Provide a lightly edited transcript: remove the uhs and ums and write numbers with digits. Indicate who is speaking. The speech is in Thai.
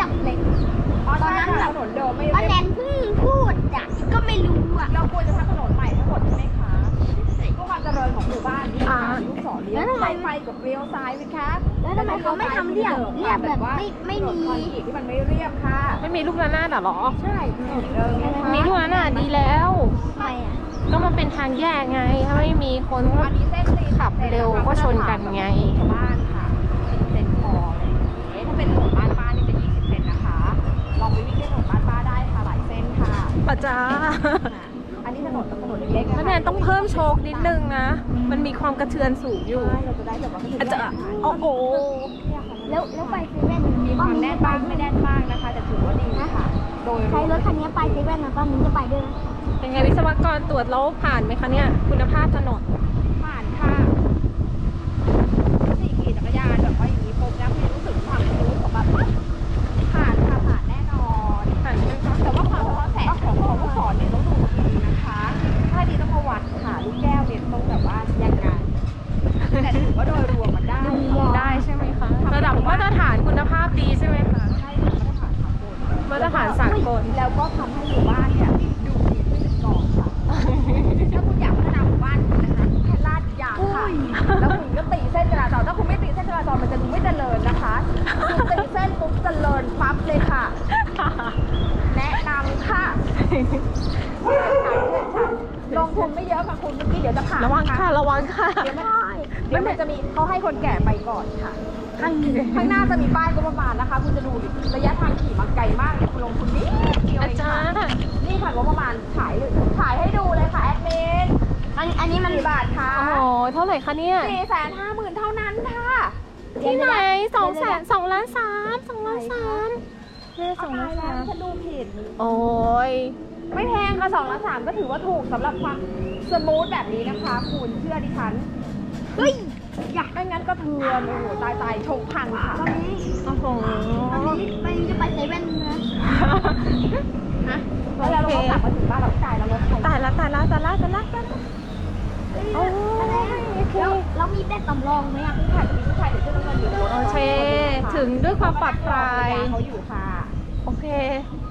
Speaker 1: ดับเหล็กตอนนั้นแบบ
Speaker 2: ถนนเดิมไม่
Speaker 1: ป้าแนนเพิ่งพูดอ่ะก็ไม่รู้อ่ะ
Speaker 2: เราควรจะทำถนนใหม่ทั้งหมดใช่ไหมคะเพื่อความเจริญของหมู่บ้านที่ลูกศรเลี้ยวไฟกับเลี้ยวซ้ายไหมคะ
Speaker 1: แล้วทำไมเขาไม่ทำเรียบแบบไม่มี
Speaker 2: คอนกรีตที่มันไม่เรียบค่ะ
Speaker 3: ไม่มีลูกระนาดเหรอ
Speaker 1: ใช่
Speaker 3: มีลูกระนาดดีแล้ว
Speaker 1: ทำไมอ่ะ
Speaker 3: ก็มันเป็นทางแยกไง ถ้าไม่มีคนก็
Speaker 2: อันนี้เส้นตีน
Speaker 3: ขับเร็วก็ชนกันไง
Speaker 2: ชาวบ้านค่ะเซนพออะไรอย่างเงี้ยถ้าเป็นถนนบ้านป้านี่จะ20 เซนนะคะลองไปวิ่งที่ถนนบ้านป้าได้ค่ะหลายเส้นค่ะ
Speaker 3: ป้าจ้า
Speaker 2: อันนี้ถนนเล็กๆ
Speaker 3: แล้วแนนต้องเพิ่มโชคนิดนึงนะ มันมีความกระเทือนสูงอยู่
Speaker 2: ใช่เราจะได้แบบว่า
Speaker 3: อาจจะโอ้โห
Speaker 1: แล้วไปเซเว่น
Speaker 2: มีความแน่นบ้างไม่แน่นบ้างนะคะแต่ถือว่าดีค่ะ โดย
Speaker 1: ใช้รถคันนี้ไปเซเว่นนะป้ามิ้นจะไปด้วยนะ
Speaker 3: เป็นไงวิศวกรตรวจแล้วผ่านไหมคะเนี่ย คุณภาพถนน
Speaker 2: ผ่านค่ะสี่ขี่จักรยานแบบว่าอย่างนี้ปุ๊บแล้วมีรู้สึกความรู้ของแบบผ่านค่ะผ่านแน่นอน
Speaker 3: ผ่านไหมคะ
Speaker 2: แต่ว่าความสะท้อนแสงของผู้สอนเนี่ยต้องดูดีนะคะ ถ้าดีต้องมาวัดค่ะลูกแก้วเนี่ยต้องแบบว่ายังไงแต่ถือว่าโดยรวมมันได้
Speaker 3: ได้ใช่ไหมคะ ระดับมาตรฐานคุณภาพดีใช่ไหมคะ
Speaker 2: ใช่ค่ะมาตรฐานสากล
Speaker 3: มาตรฐานสากล
Speaker 2: แล้วก็ทำให้หมู่บ้านเนี่ยดูดีขึ้นเป็นก่อนค่ะ ถ้าคุณอยากพัฒนาหมู่บ้านคุณนะคะแค่ลาดยางค่ะ แล้วคุณก็ตีเส้นจราจรถ้าคุณไม่ตีเส้นจราจรมันจะดูไม่เจริญนะคะคุณตีเส้นปุ๊บเจริญปั๊บเลยค่ะ แนะนำค่ะลงทุนไม่เยอะค่ะคุณเมื่อกี้เดี๋ยวจะผ่าน
Speaker 3: ระวังค่ะ ระวังค่ะ
Speaker 2: เดี๋ยวมันจะมีเขาให้คนแก่ไปก่อนค่ะ ข้างหน้าจะมีป้ายก็ประมาณนะคะ คุณจะดูดิระยะทางขี่มาไกลมากเลยคุณลงทุนนิดเดียว
Speaker 3: อา
Speaker 2: เอง
Speaker 3: จา
Speaker 2: ค่ะ
Speaker 3: รย์
Speaker 2: นี่ค่ะก็ประมาณถ่ายให้ดูเลยค่ะแอดมิน
Speaker 1: อันนี้มัน
Speaker 2: กี่บาทคะ
Speaker 3: โอ้โห เท่าไหร่คะเนี่ย
Speaker 2: 450,000 เท่านั้นค่ะ
Speaker 3: ที่ไหน2 ล้าน 3 2 ล้าน 3เลข2 ล้าน
Speaker 2: แล้วฉัน
Speaker 3: 3
Speaker 2: ดูผิด
Speaker 3: โอ้ย
Speaker 2: ไม่แพงค่ะ2 ล้าน 3ก็ถือว่าถูกสำหรับความสมูทแบบนี้นะคะ คุณเชื่อดิฉัน
Speaker 1: เฮ้ย
Speaker 2: อยากไม่งั้นก็เทือนโอ้โหตายชงพังค่ะ
Speaker 1: ตอนนี้
Speaker 3: โอ้โห
Speaker 1: ไปจะไปเซเว่นนะ
Speaker 2: แล้วเราก็กลับมาถึงบ้านเราจ่ายแล้วรถไฟ
Speaker 3: ตายละตายละตายละตายละโอ้ยโอเค
Speaker 1: แล้วมีแบตสำรองไหมอ่ะ
Speaker 2: ค่ะจะมีผู้ชายเดี๋ยวเสื้อน้ำเงินอยู่ในรถ
Speaker 3: โอเค ถึงด้วยความปลอดภัย
Speaker 2: เขาอยู่ค่ะ
Speaker 3: โอเค